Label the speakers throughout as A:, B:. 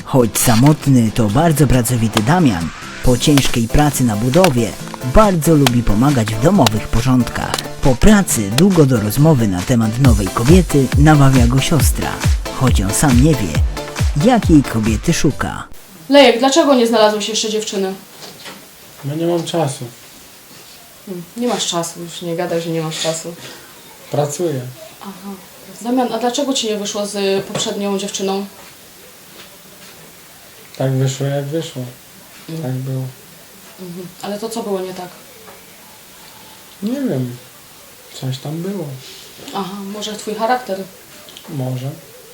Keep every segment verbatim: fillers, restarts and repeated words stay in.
A: Choć samotny, to bardzo pracowity Damian po ciężkiej pracy na budowie bardzo lubi pomagać w domowych porządkach. Po pracy długo do rozmowy na temat nowej kobiety namawia go siostra, choć on sam nie wie, jakiej kobiety szuka.
B: Lejek, dlaczego nie znalazłeś jeszcze dziewczyny?
C: No nie mam czasu.
B: Hmm, nie masz czasu, już nie gadaj, że nie masz czasu.
C: Pracuję.
B: Aha. Damian, a dlaczego ci nie wyszło z poprzednią dziewczyną?
C: Tak wyszło jak wyszło. Tak było.
B: Mhm. Ale to co było nie tak?
C: Nie wiem. Coś tam było.
B: Aha, może twój charakter?
C: Może.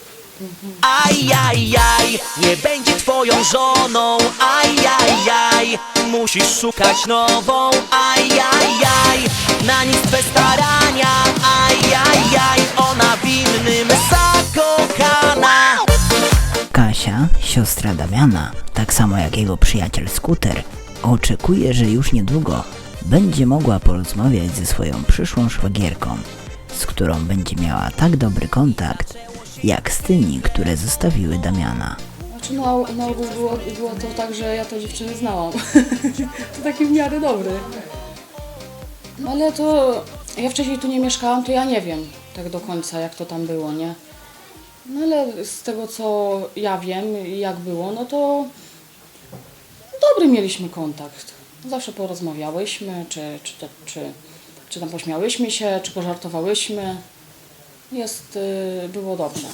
D: Ajajaj, nie będzie twoją żoną. Ajajaj, musisz szukać nową. Ajajaj, na nic twe starania. Ajajaj, ona w innym zakochana.
A: Kasia, siostra Damiana, tak samo jak jego przyjaciel Skuter, oczekuje, że już niedługo będzie mogła porozmawiać ze swoją przyszłą szwagierką, z którą będzie miała tak dobry kontakt, jak z tymi, które zostawiły Damiana.
B: Znaczy na, na ogół było, było to tak, że ja tę dziewczynę znałam. To taki w miarę dobry. No ale to ja wcześniej tu nie mieszkałam, to ja nie wiem tak do końca jak to tam było, nie? No ale z tego co ja wiem jak było, no to dobry mieliśmy kontakt. Zawsze porozmawiałyśmy, czy, czy, czy, czy, czy tam pośmiałyśmy się, czy pożartowałyśmy. Jest, yy, było dobrze.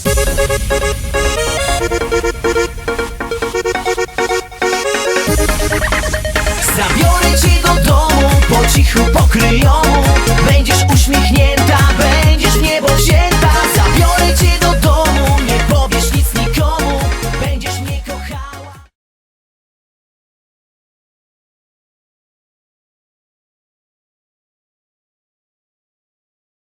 D: Zabiorę cię do domu, po cichu pokryjomu. Będziesz uśmiechnięta, będziesz w niebo wzięta.